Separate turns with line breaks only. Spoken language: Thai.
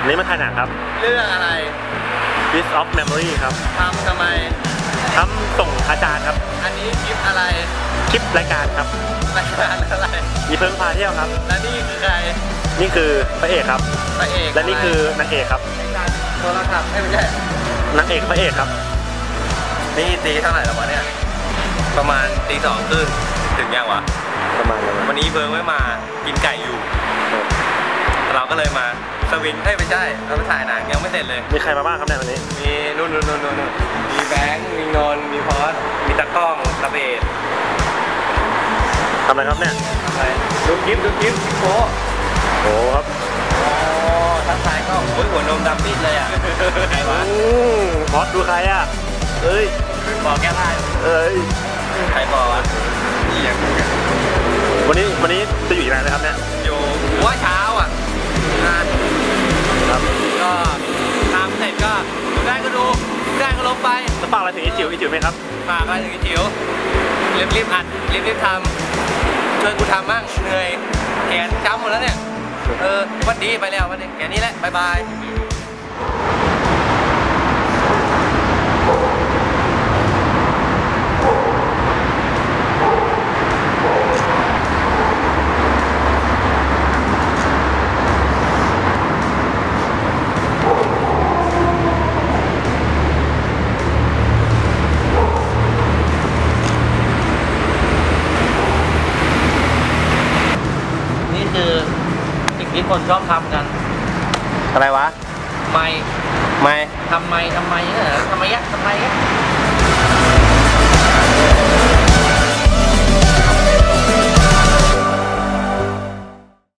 นี้มาถ่ายหนังครับ
เรื่องอะไร
Piece of Memory ครับ
ทำไม
ทำส่งอาจารย์ครับ
อันนี้คลิปอะไร
คลิปรายการครับ
รายการอะไร
มีเพิ่งพาเที่ยวครับ
และนี่คือใคร
นี่คือพระเอกครับ
พระเอก
และนี่คือนางเอกครับ
โทรศัพท์ไม่ใช่
นางเอกพระเอกครับ
นี่ตีเท่าไหร่แล้ววะเนี่ยประมาณตี 2 ครึ่งถึงยังวะ
ประมาณ
วันนี้เบิร์งไม่มากินไก่อยู่เราก็เลยมาสวิงไม่ใช่เราไปถ่ายหนังยังไม่เสร็จเลย
มีใครมาบ้างครับเนี่ยวันนี้
มีนู่นมีแบงค์มีนนท์มีพอสมีตะก้องตะเบด
ทำอะไรครับเนี่ย
ดูคลิปโอ้
โหครับ
โอ้ทักทายก็โอ้ยหัวนมดำปิดเลยอ่ะใครวะ
พอสดูใครอ่ะเอ้ย
บอกแก้ผ้าใครบอกวะนี่อย่าง
วันนี้จะอยู่ที่ไหนนะครับเนี่ย
อยู่ว่าเช้าอ่ะครับก็ทำเสร็จก็ดูได้ก็ดูได้ก็ลงไป
จะฝากอะไรถึงอีจิ๋วไหมครับ
ฝากอะไรถึงอีจิ๋วรีบอัดรีบทำช่วยกูทำมั่งเหนื่อยแขนช้ำหมดแล้วเนี่ยวันดีไปแล้ววันนี้แค่นี้แหละบายบายที่คนชอบทำกัน
อะไรวะ
ไม่ทำไมเหรอทำไม